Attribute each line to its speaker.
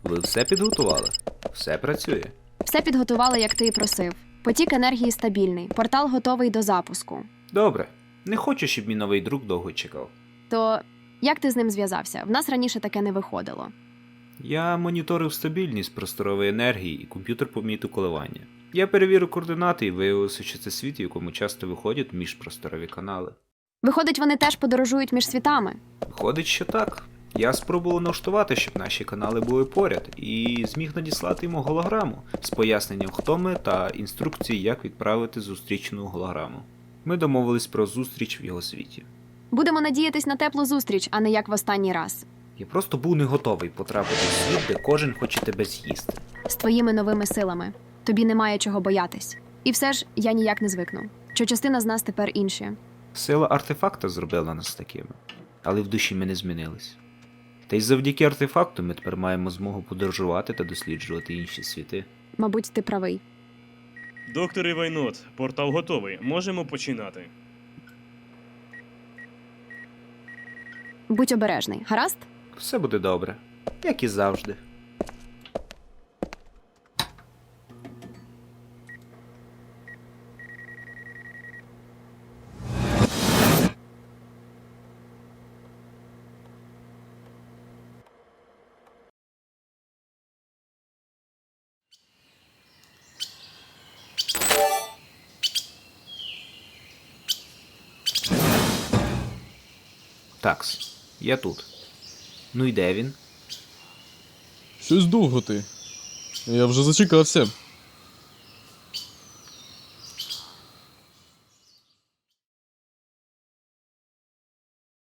Speaker 1: Ви все підготували? Все працює?
Speaker 2: Все підготували, як ти і просив. Потік енергії стабільний, портал готовий до запуску.
Speaker 1: Добре. Не хочу, щоб мій новий друг довго чекав.
Speaker 2: То як ти з ним зв'язався? В нас раніше таке не виходило.
Speaker 1: Я моніторив стабільність просторової енергії і комп'ютер помітив коливання. Я перевірив координати і виявилося, що це світ, в якому часто виходять міжпросторові канали.
Speaker 2: Виходить, вони теж подорожують між світами.
Speaker 1: Виходить, що так. Я спробував налаштувати, щоб наші канали були поряд, і зміг надіслати йому голограму з поясненням, хто ми та інструкції, як відправити зустрічну голограму. Ми домовились про зустріч в його світі.
Speaker 2: Будемо надіятись на теплу зустріч, а не як в останній раз.
Speaker 1: Я просто був не готовий потрапити в світ, де кожен хоче тебе з'їсти.
Speaker 2: З твоїми новими силами. Тобі немає чого боятись. І все ж я ніяк не звикну, що частина з нас тепер інші.
Speaker 1: Сила артефакта зробила нас такими, але в душі ми не змінились. Та й завдяки артефакту ми тепер маємо змогу подорожувати та досліджувати інші світи.
Speaker 2: Мабуть, ти правий.
Speaker 3: Доктор Івайнот, портал готовий. Можемо починати.
Speaker 2: Будь обережний, гаразд?
Speaker 1: Все буде добре, як і завжди. Такс, я тут. Ну і де він?
Speaker 4: Щось довго ти. Я вже зачекався.